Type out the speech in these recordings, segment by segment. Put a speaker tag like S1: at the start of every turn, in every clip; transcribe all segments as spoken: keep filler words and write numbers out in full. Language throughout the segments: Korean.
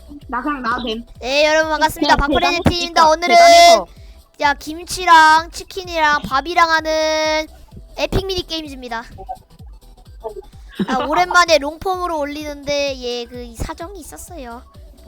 S1: 나 그냥 나도 됨.
S2: 네 여러분 반갑습니다.
S3: 네,
S2: 박프레젠트입니다.
S3: 대단해서
S2: 오늘은
S3: 대단해서.
S2: 자 김치랑 치킨이랑 밥이랑 하는 에픽 미니 게임즈입니다. 아, 오랜만에 롱폼으로 올리는데 예 그 사정이 있었어요.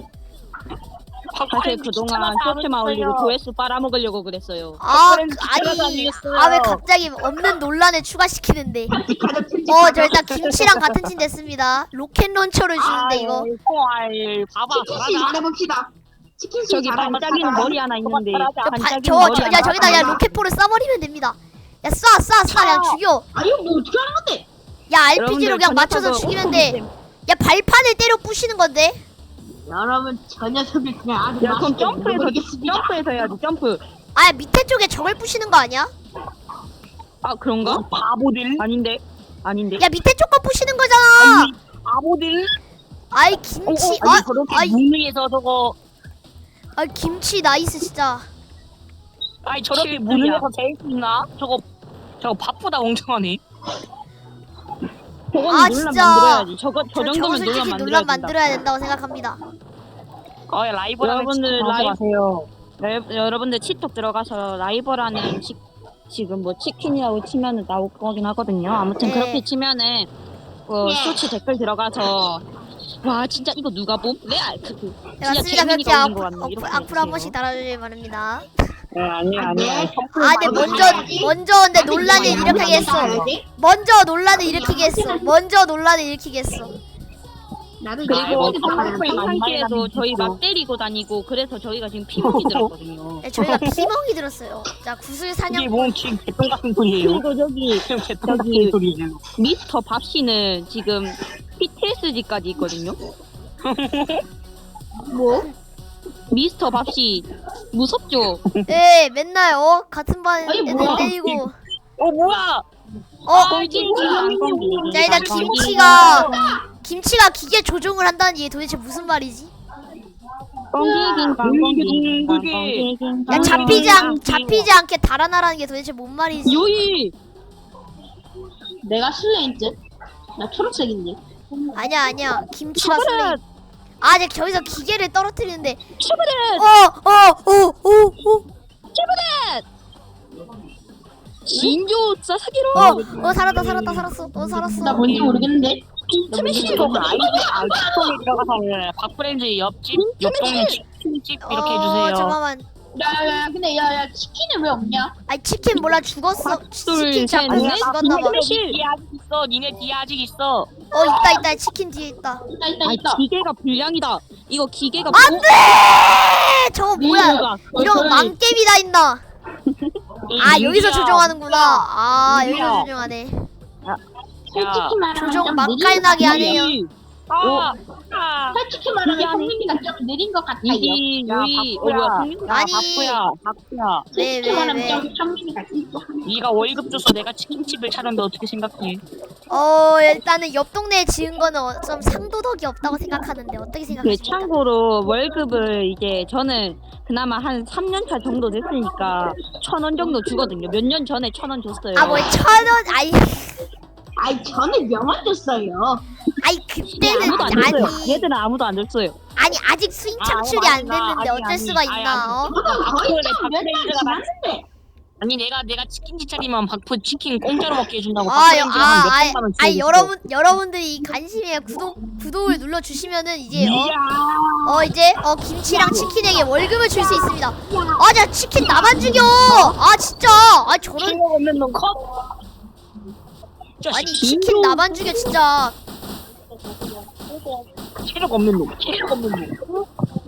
S3: 사실 그동안 쇼츠만 올리고 조회수 빨아먹으려고 그랬어요.
S2: 아
S3: 박프렌즈
S2: 그, 아니
S3: 찾아다니겠어요.
S2: 아 왜 갑자기 없는 논란을 추가시키는데?
S1: 가족 편집.
S2: 어 저 일단 김치랑 같은 팀 됐습니다. 로켓 론처를 주는데 이거
S3: 헐, 봐봐.
S1: 치킨씨 말해봅시다. 치킨씨
S3: 저기
S1: 잘하면
S3: 반짝이는
S1: 잘하자.
S3: 머리 하나 있는데. 반짝이는
S2: 저
S3: 머리
S2: 저
S3: 하나
S2: 야 저기다 야
S3: 있는데.
S2: 로켓포를 쏴버리면 됩니다. 야 쏴 쏴 쏴 그냥 죽여.
S1: 아 이거 뭐 어떻게 하는 건데?
S2: 야 알피지로 그냥
S3: 여러분들
S2: 맞춰서
S3: 전략하고
S2: 죽이면 돼. 야 발판을 때려 부시는 건데.
S1: 여러분 저 녀석을 그냥 아주
S3: 야 그럼
S1: 맛있게
S3: 점프해서
S1: 먹어보겠습니다.
S3: 점프해서 해야지 점프.
S2: 아 밑에 쪽에 적을 부시는 거 아니야?
S3: 아 그런가? 바보들. 아닌데. 아닌데.
S2: 야 밑에 쪽 거 부시는 거잖아.
S3: 아니, 바보들.
S2: 아이 김치
S3: 어, 어, 아니,
S2: 아
S3: 저렇게
S2: 아이
S3: 무능해서 저거.
S2: 아 김치 나이스 진짜.
S3: 아니 저렇게 무능해서 제일 있나? 저거 저거 바쁘다 멍청하네. 저건
S2: 아,
S3: 논란
S2: 진짜.
S3: 만들어야지. 저거 저
S2: 저, 저거
S3: 정도면
S2: 솔직히
S3: 논란
S2: 논란
S3: 만들어야
S2: 만들어야 된다고 생각합니다.
S3: 어, 라이브라는 여러분들 라이브 여러분들 치톡 들어가서 라이브라는 치, 지금 뭐 치킨이라고 치면은 나올 거긴 하거든요. 아무튼
S2: 네.
S3: 그렇게 치면은 어,
S1: 네.
S3: 쇼츠 댓글 들어가서 와 진짜 이거 누가 봄? 네, 아, 그, 그,
S2: 네,
S3: 진짜
S2: 맞습니다. 그렇게
S3: 재민이가
S2: 악,
S3: 올린 거 같네.
S2: 악,
S3: 이렇게
S2: 악플 한
S3: 해주세요.
S2: 번씩 달아주길 바랍니다.
S3: 네, 아니야 아니야.
S2: 아 근데 먼저 먼저 근데 논란을 일으키게 했어. 먼저 논란을 일으키게 했어. 먼저 논란을 일으키게 했어.
S1: 나도
S3: 그리고
S1: 이거
S3: 컴플레인 상태에도 저희 막 때리고 다니고 그래서 저희가 지금 피곤이 들었거든요.
S2: 네, 저희가 피멍이 들었어요. 자 구슬 사냥.
S4: 뭔 지금 개똥 같은 소리예요?
S3: 그리고 저기
S4: 개똥 같은 소리예요.
S3: 미스터 밥씨는 지금 피티에스디까지 있거든요.
S2: 뭐?
S3: 미스터 밥씨 무섭죠?
S2: 네 맨날 어 같은 반
S1: 아니,
S2: 애들
S1: 뭐야.
S2: 때리고.
S4: 어 뭐야?
S2: 어.
S3: 꽁지
S2: 자 일단 김치가 김치가 기계 조종을 한다는 게 도대체 무슨 말이지? 야 잡히지 않 잡히지 않게 달아나라는 게 도대체 뭔 말이지?
S3: 요이
S1: 내가 실내인지? 나 초록색인데.
S2: 아니야 아니야 김치가
S3: 슈브렛
S2: 슬레이. 아 이제 저기서 기계를 떨어뜨리는데.
S3: 슈브렛
S2: 어어어어어
S3: 진조 사사기로
S2: 어, 어 살았다 살았다 살았어. 어 살았어.
S1: 나 뭔지 모르겠는데.
S3: 스매시
S4: 이거 아이디 아이폰에 들어가서 박프렌즈 옆집 옆동네 치킨집 이렇게 해주세요.
S2: 어, 잠깐만.
S1: 야야야 근데 야야 치킨은 왜 없냐?
S2: 아니 치킨 몰라 죽었어. 치킨
S3: 둘,
S2: 잡고
S3: 셋, 넷.
S2: 죽었나봐.
S4: 니네 뒤에 아직 있어. 니네 뒤에 아직 있어.
S2: 어 있다 있다 치킨 뒤에 있다.
S1: 있다 있다
S3: 아
S1: 있다.
S3: 기계가 불량이다. 이거 기계가
S2: 안돼! 저거 뭐야?
S3: 뭐가
S2: 이런 거 망게임이 다 있나? 아 여기서
S4: 민규야,
S2: 조종하는구나. 아
S4: 민규야.
S2: 여기서 조종하네.
S1: 솔직히 말하면
S2: 조종
S1: 좀
S2: 맛깔나게
S1: 느린 것
S2: 하네요.
S4: 아, 아,
S1: 솔직히 말하면
S3: 미안해.
S1: 성민이가 좀 느린 것 같아요.
S3: 이기
S4: 야,
S3: 요이 어
S4: 바쁘야.
S3: 뭐야 성민이
S2: 아니.
S4: 바쁘야, 바쁘야.
S2: 왜
S1: 솔직히
S2: 왜
S1: 말하면
S2: 왜?
S1: 좀 성민이가 있어.
S4: 네가 월급 줘서 내가 치킨집을 차렸는데 어떻게 생각해?
S2: 어 일단은 옆 동네에 지은 거는 어, 좀 상도덕이 없다고 생각하는데 어떻게
S3: 그
S2: 생각하십니까?
S3: 참고로 월급을 이제 저는 그나마 한 삼 년 차 정도 됐으니까 천 원 정도 주거든요. 몇 년 전에 천 원 줬어요.
S2: 아 뭐 천 원? 아이
S1: 아이 저는 명언 줬어요.
S2: 아이
S3: 얘
S2: 그때는
S3: 아무도 안 줬어요.
S2: 아니
S3: 얘들은 아무도 안 줬어요.
S2: 아니 아직 수익
S4: 아,
S2: 창출이 안
S4: 맞아.
S2: 됐는데
S4: 아니,
S2: 어쩔
S4: 아니,
S2: 수가
S4: 아니,
S2: 있나? 어?
S1: 저는 거의
S4: 그래,
S1: 좀몇달
S4: 박프렌즈가
S1: 지났는데.
S4: 아니 내가 내가 치킨집 차리면 박프 치킨 공짜로 먹게 해준다고
S2: 아, 여,
S4: 박프렌즈가
S2: 아,
S4: 한몇
S2: 아이,
S4: 번만
S2: 아이 여러분 여러분들이 관심에 구독 구독을 눌러 주시면은 이제 어, 어 이제 어 김치랑 치킨에게 월급을 줄 수 있습니다. 아, 자 치킨 나만 죽여. 아 진짜. 아 저런
S4: 체력 없는 놈 컷.
S2: 아니 치킨 나만 죽여 진짜.
S4: 체력 없는 놈, 체력 없는 놈.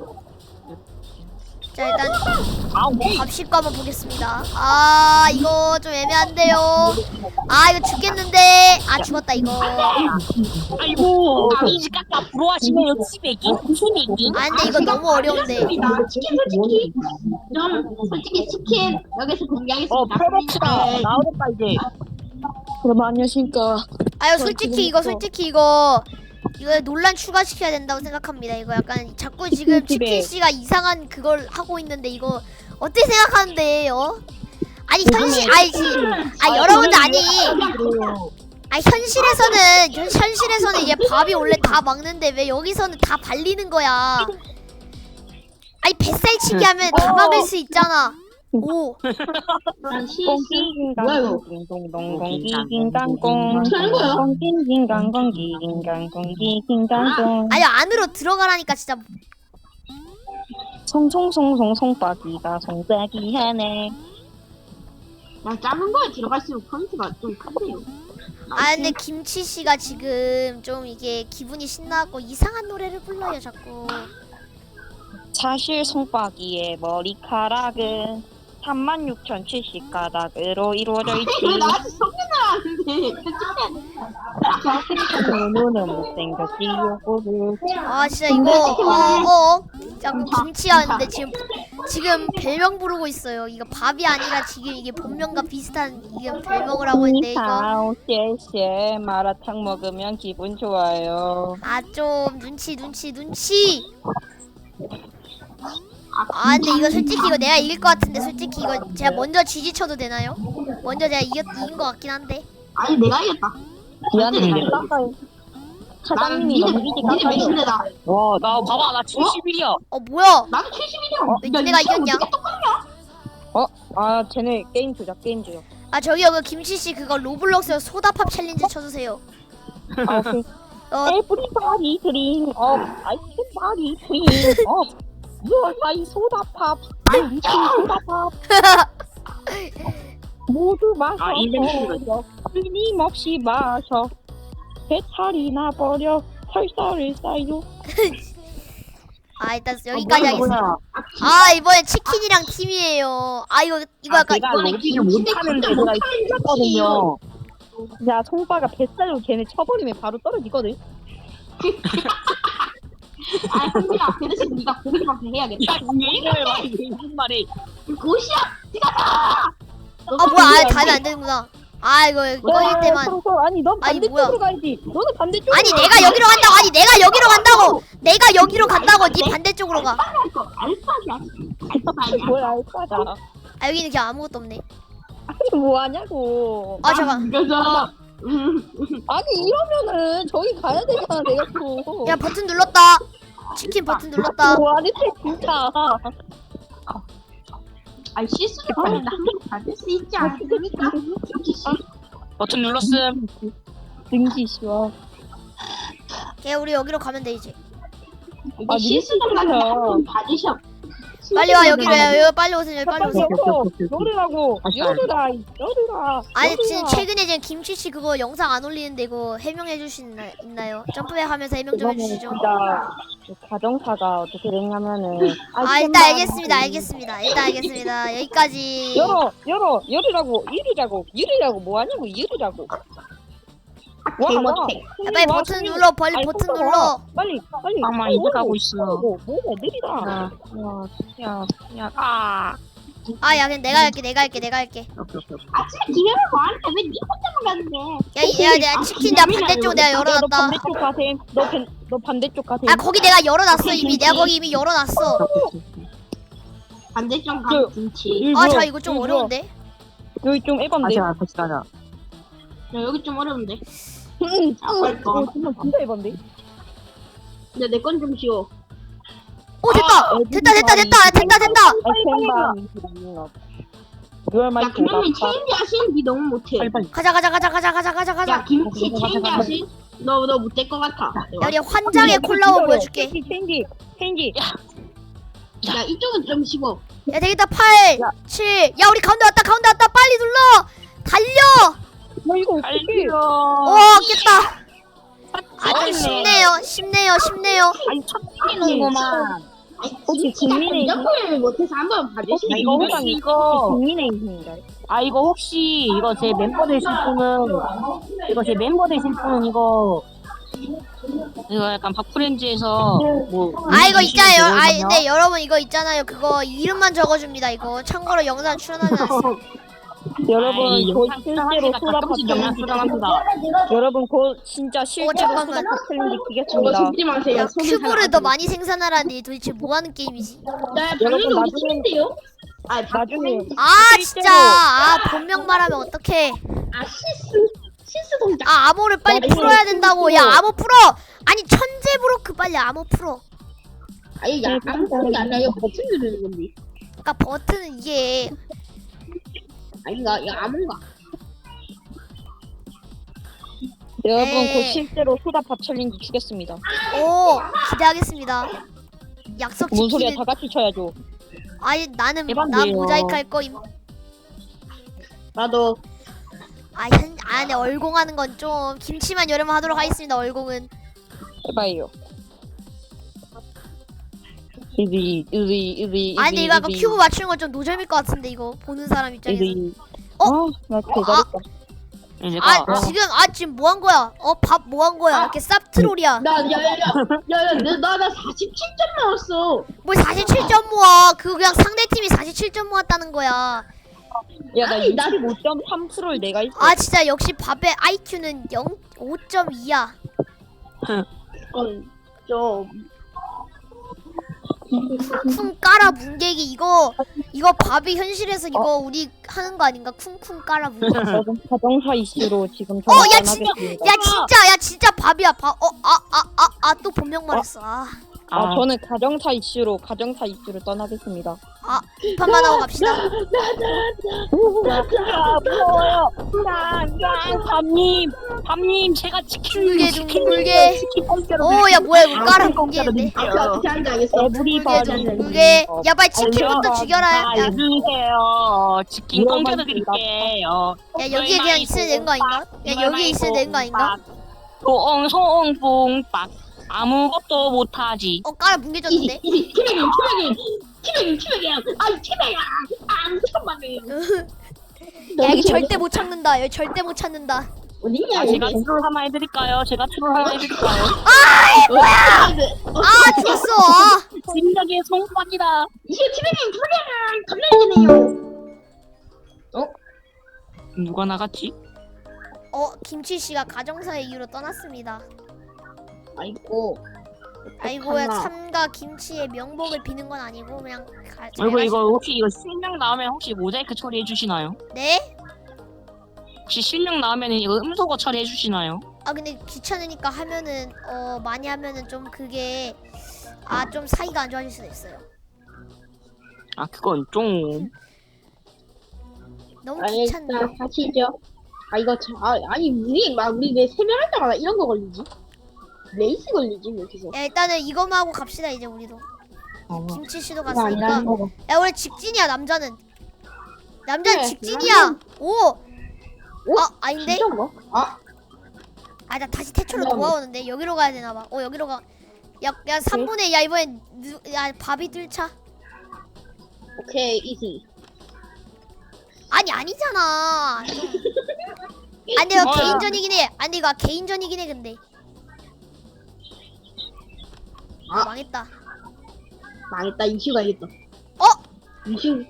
S2: 자 일단
S4: 아, 오케이.
S2: 밥식거 한번 보겠습니다. 아 이거 좀 애매한데요. 아 이거 죽겠는데. 아 죽었다 이거.
S4: 아이고, 이지 깎아 부러워하시네요, 치맥이, 치맥이.
S2: 아 근데 이거 너무 어려운데.
S1: 치킨 솔직히 좀 솔직히 치킨 여기서 공개하겠습니다.
S4: 어, 프로덕트다.
S1: 네.
S4: 나오겠다 이제.
S3: 그럼 안녕하십니까.
S2: 아유 솔직히 이거 솔직히 이거 이거 논란 추가시켜야 된다고 생각합니다. 이거 약간 자꾸 지금 치킨 씨가 이상한 그걸 하고 있는데 이거 어떻게 생각하는데 어? 아니 현실 아니지. 아 여러분들 아니. 아 현실에서는 현, 현실에서는 이게 밥이 원래 다 먹는데 왜 여기서는 다 발리는 거야? 아니 뱃살치기 하면 다 막을 수 있잖아. 오.
S1: 난 실수. 뭐야 이거?
S4: 공기긴강공
S1: 트는 거야?
S4: 공기긴강공기긴강공기긴강공
S2: 아니 안으로 들어가라니까 진짜.
S3: 송송송송 송박이가 송박이 하네.
S1: 난 작은 거에 들어갈수록 포인트가 좀 큰데요.
S2: 아 근데 김치 씨가 지금 좀 이게 기분이 신나고 이상한 노래를 불러요 자꾸.
S3: 사실 송박이의 머리카락은 삼만 육천칠십 가닥으로 이루어져 있지.
S1: 왜 나한테 성nhân 나왔는데?
S3: 눈은 못생겼지 요거를.
S2: 아 진짜 이거 어어 자꾸 김치였는데 지금 지금 별명 부르고 있어요. 이거 밥이 아니라 지금 이게 본명과 비슷한 이게 별명을 하고 있는데 이거
S3: 니하오 쎄쎄 마라탕 먹으면 기분 좋아요.
S2: 아 좀 눈치 눈치 눈치. 아 근데 이거 솔직히 이거 내가 이길 것 같은데 솔직히 이거 제가 먼저 지지쳐도 되나요? 먼저 제가 이겼, 이긴 것 같긴 한데.
S1: 아니 내가 이겼다.
S3: 미안해
S1: 네.
S3: 깎아요.
S1: 나는
S3: 사장님이
S1: 니네
S3: 너무 일찍
S1: 니네
S3: 깎아요.
S1: 몇인데다.
S4: 와, 나 봐봐, 나 칠십일이야.
S2: 어 뭐야?
S1: 나도 칠십이냐?
S2: 왜 니네가 이겼냐?
S3: 아 쟤네 게임 조작 게임 조작.
S2: 아 저기요 그 김치 씨 그거 로블록스 소다팝 챌린지 쳐주세요.
S3: 아 오케이.
S2: 어
S3: Everybody drink up. I can body drink up. You're my soda pop. I'm little soda pop. 모두 마셔.
S4: 아, 인생샷이다.
S3: 끊임없이 마셔. 배탈이 나버려. 설사를 쌓여.
S2: 아 일단 여기까지 하겠습니다.
S1: 뭐야?
S2: 아 이번에 치킨이랑 팀이에요. 아 이거 이거 약간
S4: 내가 로비를 못하는데 내가 있었거든요.
S3: 야, 송빠가 뱃살로 걔네 쳐버리면 바로 떨어지거든.
S1: 아 형들아 그 대신 네가 고기밖에 해야겠다.
S4: 이걸 말이 무슨 말이?
S1: 고시야.
S2: 아 뭐야 아 가면 안 되는구나. 아 이거 꺼질 때만.
S3: 아니, 넌
S2: 아니,
S3: 반대쪽으로 가야지. 너는 반대쪽으로.
S2: 아니 내가 여기로 간다고. 아니 내가 여기로 간다고. 내가 여기로 간다고. 네 반대쪽으로 가.
S1: 알파할 거 알파야. 알파야.
S3: 뭘 알까다.
S2: 아 여기는 그냥 아무것도 없네.
S3: 아니, 뭐 하냐고.
S2: 아 잠깐.
S1: 그래서
S3: 아니, 이러면은 저기 가야 되잖아, 내가 또.
S2: 야 버튼 눌렀다. 치킨 버튼 눌렀다.
S3: 뭐 하는데, 진짜.
S1: 아 실수를 하면 한번 받을 수 있지 않습니까? 김치
S4: 버튼 눌렀음.
S3: 등지 쉬워.
S2: 걔 우리 여기로 가면 돼 이제.
S3: 아,
S1: 씨. 실수를 하면 한번 받으셔.
S2: 빨리 와 여기로 야 여기 빨리 오세요 여기 빨리 오세요.
S3: 열어. 열으라고. 열으라. 열으라.
S2: 아니 지금
S3: 열으라.
S2: 최근에 지금 김치 씨 그거 영상 안 올리는데 이거 해명해 주실 수 있나요? 점프백 하면서 해명 좀
S3: 이거는
S2: 해주시죠.
S3: 진짜 가정사가 어떻게 됐냐면은.
S2: 아 일단 알겠습니다 알겠습니다 일단 알겠습니다 여기까지.
S3: 열어, 열어, 열으라고, 열으라고, 열으라고, 뭐 하냐고, 열으라고. 와,
S1: 개
S3: 와.
S1: 못해.
S2: 야, 빨리
S3: 와,
S2: 버튼
S3: 손님.
S2: 눌러 빨리
S3: 아니,
S2: 버튼
S3: 손
S2: 눌러.
S3: 봐. 빨리, 빨리.
S4: 아마
S3: 빨리
S4: 이제
S3: 열어.
S4: 가고 있어.
S3: 뭐, 뭐야, 느리다.
S4: 야, 야, 야, 아.
S2: 아 야 그냥 내가 할게 내가 할게 내가 할게.
S1: 아침에 기회를 뭐하는데 왜 니 혼자만 가는데?
S2: 야야 내가 치킨 내가 반대쪽 내가
S3: 야, 너
S2: 열어놨다.
S3: 반대쪽 가셈. 너, 반- 너 반대쪽 가셈.
S2: 아 거기 내가 열어놨어 이미 내가 거기 이미 열어놨어.
S1: 반대쪽
S3: 그-
S1: 가면 김치.
S3: 이리
S2: 아
S3: 와,
S2: 자 이거 좀
S3: 이리 와.
S2: 어려운데.
S3: 여기 좀 에반데.
S4: 같이 가자.
S1: 야, 여기 좀 어려운데.
S3: 응,
S1: 아, 빨리 가.
S3: 어, 정말 진짜 에반데.
S1: 근데 내 건 좀 쉬워.
S2: 오 됐다 됐다 됐다 됐다 됐다 됐다.
S3: You're my
S1: 야 그러면
S3: soda pop.
S1: 체인지 하시는 니 너무 못해.
S4: 빨리 빨리.
S2: 가자 가자 가자 가자 가자 가자
S1: 야
S2: 가자.
S1: 김치 체인지 하시? 너너 못될 것 같아.
S2: 야 우리 환장의 콜라보 보여줄게.
S3: 체인지, 체인지, 체인지.
S1: 야 이쪽은 좀 쉬워.
S2: 야 되겠다 팔 칠. 야 우리 가운데 왔다 가운데 왔다 빨리 눌러. 달려.
S3: 나 이거 어떡해.
S4: 달려.
S2: 오 깼다. 아주 쉽네요 쉽네요 쉽네요.
S4: 아니, 첫 뛰는구만.
S3: 혹시 국민의힘?
S1: 공작을 못해서 한번 봐주시면
S4: 아, 이거 혹시 이거
S3: 국민의힘인가요?
S4: 아 이거 혹시 이거 제 멤버 되실 분은 이거 제 멤버 되실 분은 이거 이거 약간 박프렌즈에서 뭐
S2: 아 이거 있잖아요. 아
S4: 되거든요.
S2: 근데 여러분 이거 있잖아요. 그거 이름만 적어줍니다. 이거 참고로 영상 출연하지 않습니다.
S3: 여러분
S4: 아이,
S3: 곧
S4: 영상
S3: 실제로
S4: 수정하기가
S3: 소다
S4: 가끔씩 영상
S3: 챌린지
S4: 수정합니다.
S3: 여러분 곧 진짜 실제로
S2: 잠깐만.
S3: 소다 챌린지
S1: 저거
S3: 뛰겠습니다.
S1: 속지 마세요.
S2: 야
S1: 속이
S2: 큐브를
S1: 잘
S2: 더
S1: 안
S2: 많이 생산하라니 도대체 뭐 하는 게임이지?
S1: 야
S3: 여러분,
S1: 방금 우리
S3: 나중에-
S1: 팀인데요? 아
S3: 나중에
S2: 아
S3: 실제로-
S2: 진짜 아 본명 말하면 어떡해.
S1: 아 실수 실수 동작.
S2: 아 암호를 빨리
S3: 나중에
S2: 풀어야 된다고. 야
S3: 실제로-
S2: 암호 풀어. 아니 천재 브로크 빨리 암호 풀어.
S1: 아니 야 아무 소리가 아니라 이거 버튼 누르는 건데.
S2: 그러니까 버튼은 이게
S1: 아닌가? 이거 아무인가?
S3: 여러분
S2: 네.
S3: 곧 실제로 소다밥 챌린지 주겠습니다.
S2: 오 기대하겠습니다. 약속
S3: 뭔 소리야?
S2: 지키는.
S3: 다 같이 쳐야죠.
S2: 아니 나는 난
S4: 대박이에요.
S2: 모자이크 할 거임.
S1: 나도.
S2: 아, 현, 아, 근데 얼공하는 건 좀 김치만 여름만 하도록 하겠습니다. 얼공은.
S3: 해봐요. 이리 이리 이리.
S2: 아, 근데 이거 약간 큐브 맞추는 건 좀 노잼일 것 같은데 이거 보는 사람 입장에서.
S3: 이리.
S2: 어?
S3: 아나 개잘했다.
S4: 내가
S2: 아, 지금 아 지금 뭐 한 거야? 어, 밥 뭐 한 거야? 이렇게 쌉트롤이야.
S1: 나야야야야야나나 사십칠 점 나왔어.
S2: 뭐 사십칠 점 모아. 그거 그냥 상대 팀이 사십칠 점 모았다는 거야.
S3: 야나
S1: 아니, 나-
S3: 육십오 점 삼 퍼센트를 내가 있어.
S2: 아, 진짜 역시 밥의 아이큐는 영 오 점 이야.
S1: 그건 좀.
S2: 쿵쿵 깔아 뭉개기 이거 이거 밥이 현실에서 이거 우리 하는 거 아닌가? 쿵쿵 깔아 뭉개기.
S3: 여러분 가정사 이슈로 지금
S2: 어, 야, 진짜,
S3: 전화하겠습니다.
S2: 야 진짜 야 진짜 밥이야 밥. 어, 아 아 아 아 또 본명 말했어. 아,
S3: 아 저는 가정사 이슈로 가정사 이슈로 떠나겠습니다.
S2: 아 이판만 하고 갑시다.
S4: 야 무서워요. 야야 밤님 밤님 제가 치킨
S2: 둥글게,
S4: 치킨
S2: 둥글게.
S4: 치킨 공짜로
S2: 오, 야 뭐야 이거 깔아
S4: 공짜로
S2: 뭉개는데.
S1: 아, 그 어떻게 하는지 알겠어.
S3: 우리
S2: 둥글게
S3: 반이
S2: 둥글게. 야 빨리 치킨부터
S3: 아,
S2: 죽여라. 야,
S4: 알려주세요. 치킨
S3: 물어만
S4: 공짜로 드릴게요.
S2: 야 여기에 그냥 있으면 되는 거 아닌가? 야 여기에 있으면 되는 거 아닌가?
S4: 송송뽕빡 아무것도 못하지.
S2: 어 깔아
S1: 이지
S2: 뭉개졌는데.
S1: 이지 티백인 티백인 티백인 티백이야. 아 티백이야. 아 잠깐만요.
S2: 야 이거 절대 못 찾는다. 여기 절대 못 찾는다.
S1: 어딨냐
S4: 아, 제가
S1: 이거.
S4: 트롤 하나 해드릴까요? 제가 트롤 하나 해드릴까요?
S1: 뭐야?
S2: 아 죽었어. 아.
S4: 진작에 송빵이다.
S1: 이게 티백인 티백이야. 겁나
S4: 누가 나갔지?
S2: 어 김치 씨가 가정사의 이유로 떠났습니다.
S1: 아이고.
S2: 아이고야
S1: 어떡하나.
S2: 삼가 김치의 명복을 비는 건 아니고 그냥 가, 잘
S4: 그리고
S2: 가시-
S4: 이거 혹시 이거 실명 나오면 혹시 모자이크 처리해 주시나요?
S2: 네?
S4: 혹시 실명 나오면 이거 음소거 처리해 주시나요?
S2: 아 근데 귀찮으니까 하면은 어 많이 하면은 좀 그게 아 좀 사이가 안 좋아질 수도 있어요.
S4: 아 그건 좀
S2: 너무
S1: 아니
S2: 귀찮네.
S1: 일단 하시죠. 아 이거 참 아, 아니 우리 막 우리 왜 세명할 때마다 이런 거 걸리지? 레이스 걸리지 왜 이렇게 해서.
S2: 야 일단은 이거만 하고 갑시다 이제 우리도.
S4: 어.
S2: 김치 씨도
S1: 그거
S2: 갔으니까.
S1: 아니라는 거고.
S2: 야 원래 직진이야 남자는. 남자는
S1: 그래,
S2: 직진이야. 오.
S1: 오?
S2: 아 아닌데?
S1: 진짜 뭐? 아
S2: 아 나 다시 태초로
S1: 미안해.
S2: 돌아오는데 여기로 가야 되나 봐. 어 여기로 가. 야야 삼 분의 야 이번엔 누, 야 밥이 뜰차.
S1: 오케이 이지.
S2: 아니 아니잖아. 좀. 아니 근데 이거
S4: 뭐야.
S2: 개인전이긴 해. 아니 이거 개인전이긴 해 근데.
S1: 아.
S2: 망했다.
S1: 망했다 이슈 가야겠다.
S2: 어?
S1: 이슈.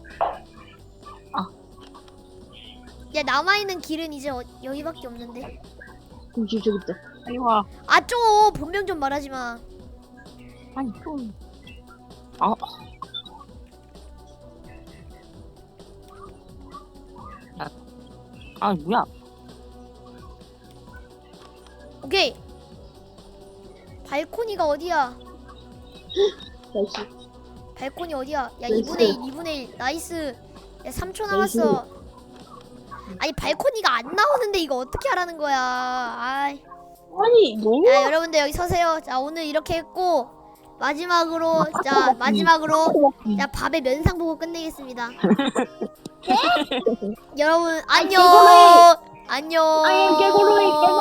S2: 야 남아있는 길은 이제 어, 여기밖에 없는데.
S1: 이슈 저기 있다.
S4: 빨리 와.
S2: 아 좀 본명 좀 말하지 마.
S4: 아니 좀. 아. 아, 아 뭐야?
S2: 오케이. 발코니가 어디야?
S1: 나이스.
S2: 발코니 어디야? 야
S1: 나이스.
S2: 이분의 일, 이분의 일. 나이스. 야 삼 초 남았어. 아니 발코니가 안 나오는데 이거 어떻게 하라는 거야? 아이.
S1: 아니 너무.
S2: 야 여러분들 여기 서세요. 자 오늘 이렇게 했고 마지막으로 자 마지막으로 자 밥의 면상 보고 끝내겠습니다. 여러분 안녕. 안녕.
S1: 아이 깨고로이 깨고.